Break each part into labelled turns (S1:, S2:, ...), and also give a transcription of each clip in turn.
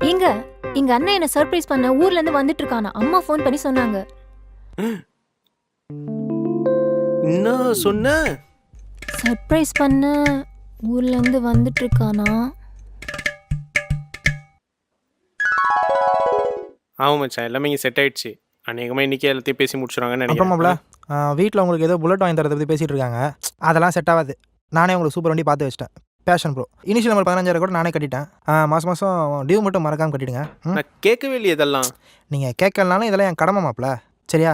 S1: எங்க எங்க அண்ணன் என்ன சர்ப்ரைஸ் பண்ண ஊர்ல இருந்து வந்துட்டு இருக்கானா. அம்மா ஃபோன் பண்ணி சொன்னாங்க.
S2: என்ன சொன்ன?
S1: சர்ப்ரைஸ் பண்ண ஊர்ல இருந்து வந்துட்டு இருக்கானா.
S2: ஆமாம் மச்சான், எல்லாமே இங்கே செட் ஆயிடுச்சு. அநேகமாக இன்றைக்கி எல்லாத்தையும் பேசி முடிச்சுருவாங்கன்னு நினைக்கிறேன்.
S3: அப்புறமாப்ல வீட்டில் உங்களுக்கு ஏதோ புல்லட் வாங்கி தரதை பற்றி பேசிகிட்டு இருக்காங்க. அதெல்லாம் செட் ஆகாது. நானே உங்களுக்கு சூப்பர் வண்டி பார்த்து வச்சிட்டேன். Fashion bro. இனிஷியல் நம்பர் 15,000 கூட நானே கட்டிட்டேன். மாதம் மாதம் டியூ மட்டும் மறக்காமல் கட்டிடுங்க.
S2: நான் கேட்கவே இல்லையே இதெல்லாம்.
S3: நீங்கள் கேட்கலனாலும் இதெல்லாம் என் கடமை மாப்பிள. சரியா?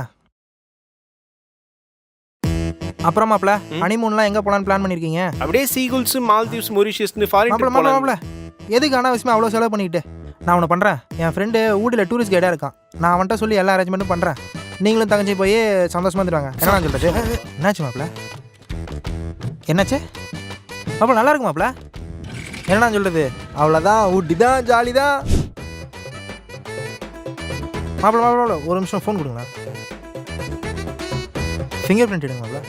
S3: அப்புறம் மாப்பிள ஹனிமூன்லாம் எங்கே போகலான்னு பிளான் பண்ணியிருக்கீங்க?
S2: அப்படியே சீகுல்ஸ், மால்தீவ்ஸ், மொரிஷியஸ்னு ஃபாரின்
S3: மாப்பிள எதுக்கு அனாவசியமாக அவ்வளோ செலவு பண்ணிக்கிட்டு? நான் ஒன்று பண்ணுறேன். என் ஃப்ரெண்டு ஊட்டியில் டூரிஸ்ட் கைடாக இருக்கான். நான் அவன்கிட்ட சொல்லி எல்லா அரேஞ்ச்மெண்ட்டும் பண்ணுறேன். நீங்களும் தங்கச்சி போய் சந்தோஷமாக இருந்துருவாங்க. என்ன சொல்கிறது? என்னாச்சு மாப்பிள? என்னாச்சு மாப்பிள? நல்லா இருக்கு மாப்பிள. என்னடா சொல்கிறது? அவ்வளோதான், ஊட்டி தான், ஜாலி தான் மாப்பிள. மாப்பிள ஒரு நிமிஷம் ஃபோன் கொடுங்களா. ஃபிங்கர் பிரிண்ட் எடுங்க மாப்பிள.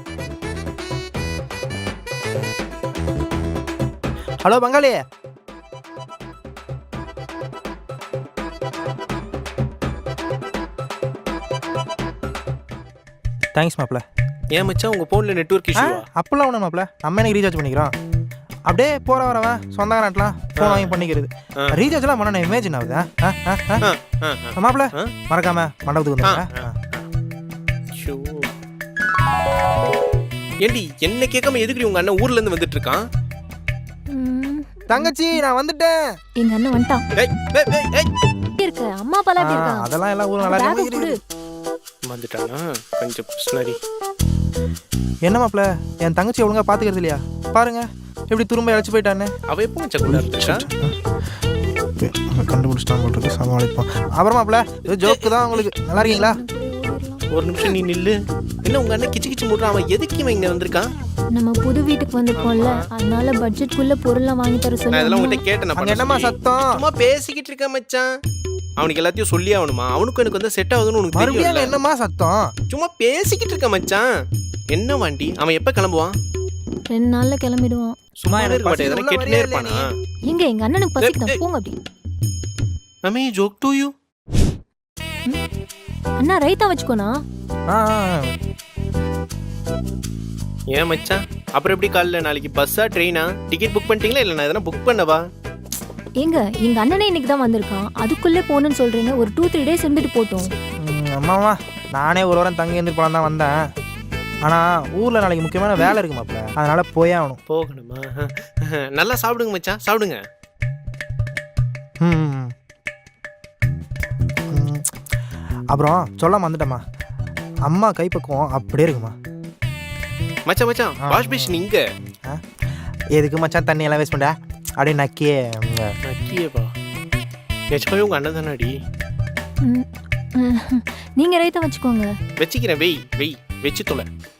S3: ஹலோ பங்காளி. தேங்க்ஸ் மாப்பிள.
S2: ஏன் மச்சான் உங்கள் ஃபோனில் நெட்வொர்க் இஷ்யூ?
S3: அப்போல்லாம் ஒன்றும் மாப்பிள, நம்ம எனக்கு ரீசார்ஜ் பண்ணிக்கிறோம். அப்படியே போகிற வரவன் சொந்தக்காரன்லாம் ஃபோன் வாங்கி பண்ணிக்கிறது. ரீசார்ஜ்லாம் பண்ண இமேஜின் ஆகுதா மாப்பிள? மறக்காம மண்டபத்துக்கு வந்துடுங்க.
S2: ஏண்டி என்ன கேட்காம எதுக்கு உங்கள் அண்ணன் ஊர்லேருந்து வந்துட்டு இருக்கான்?
S3: தங்கச்சி நான் வந்துட்டேன்.
S1: எங்க அண்ணன் வந்துட்டான். இருக்க அம்மா அப்பா எப்படி இருக்காங்க?
S3: அதெல்லாம் எல்லாம் ஊர் நல்லா இருக்கு.
S2: வந்துட்டானா கொஞ்சம் பிஸ்னரி.
S3: என்ன மாப்பிள, என் தங்கச்சி ஒழுங்கா பாத்துக்கிறது இல்லையா? பாருங்க எப்படி திரும்ப இழைச்சி போயிட்டானே.
S2: அவ எப்போ மச்சா கூட இருந்துச்சா?
S3: கண்டுபிடிச்சிட்டான் போட்டு சமாளிப்போம். அப்புறம் மாப்பிள இது ஜோக்கு தான் உங்களுக்கு. நல்லா இருக்கீங்களா?
S2: ஒரு நிமிஷம் நீ நில்லு. என்ன உங்க அண்ணன் கிச்சு கிச்சு மூடுறான்? அவன் எதுக்கு இவன் இங்க வந்திருக்கான்?
S1: நம்ம புது வீட்டுக்கு வந்திருக்கோம்ல, அதனால பட்ஜெட்குள்ள பொருள்லாம் வாங்கி தர சொல்லி.
S2: நான் இதெல்லாம் உங்ககிட்ட கேட்டேன்.
S3: அங்க என்னமா சத்தம்?
S2: சும்மா பேசிக்கிட்டு இருக்க மச்சான். அவனுக்கு எல்லாத்தையும் சொல்லி ஆகணுமா? அவனுக்கும் எனக்கு வந்து செட் ஆகுதுன்னு உனக்கு
S3: மறுபடியும் என்னமா சத்தம்?
S2: சும்மா பேசிக்கிட்டு இருக்க மச்சான். என்ன வண்டி? அவன் எப்ப கிளம்புவான்?
S1: 2 நாள்ல கிளம்பிடுவான்.
S2: சும்மா இருக்க மாட்டே, எதனா கேட்டுனே இருப்பானா?
S1: எங்க அண்ணனுக்கு பசிக்குது, போங்க அப்படி.
S2: அம்மே ஜோக் டு யூ.
S1: அண்ணா ரைத்தா வச்சுக்கோனா.
S2: ஏன் மச்சான் அப்புறம் எப்படி காலைல நாளைக்கு பஸ்ஸா ட்ரெயினா டிக்கெட் புக் பண்ணிட்டீங்களா? இல்லை நான் எதனா புக் பண்ணவா?
S1: எங்க அண்ணனே இன்னைக்கு தான் வந்திருக்கான். அதுக்குள்ளே போகணும்னு சொல்றீங்க. ஒரு 2-3 டேஸ் இருந்துட்டு போட்டோம்.
S3: அம்மாவா நானே ஒரு வாரம் தங்கி இருந்து போலாம் தான் வந்தேன். ஆனால் ஊரில் நாளைக்கு முக்கியமான வேலை இருக்கு மாப்பிள, அதனால போயே ஆகணும்.
S2: போகணுமா? நல்லா சாப்பிடுங்க மச்சான், சாப்பிடுங்க.
S3: அப்புறம் சொல்லாம வந்துட்டேம்மா, அம்மா கைப்பக்குவம் அப்படியே இருக்குமா
S2: மச்சான். மச்சான் வாஷ் பேஷன் இங்க
S3: எதுக்கு மச்சான் தண்ணி எல்லாம் வேஸ்ட் பண்ண? அப்படியே நக்கியே
S2: நக்கியேவா? நிஜமாவே உங்க அண்ணன் தானாடி?
S1: நீங்க ரைத்தா வச்சுக்கோங்க.
S2: வச்சுக்கிறேன். வெய் வச்சு தொலை.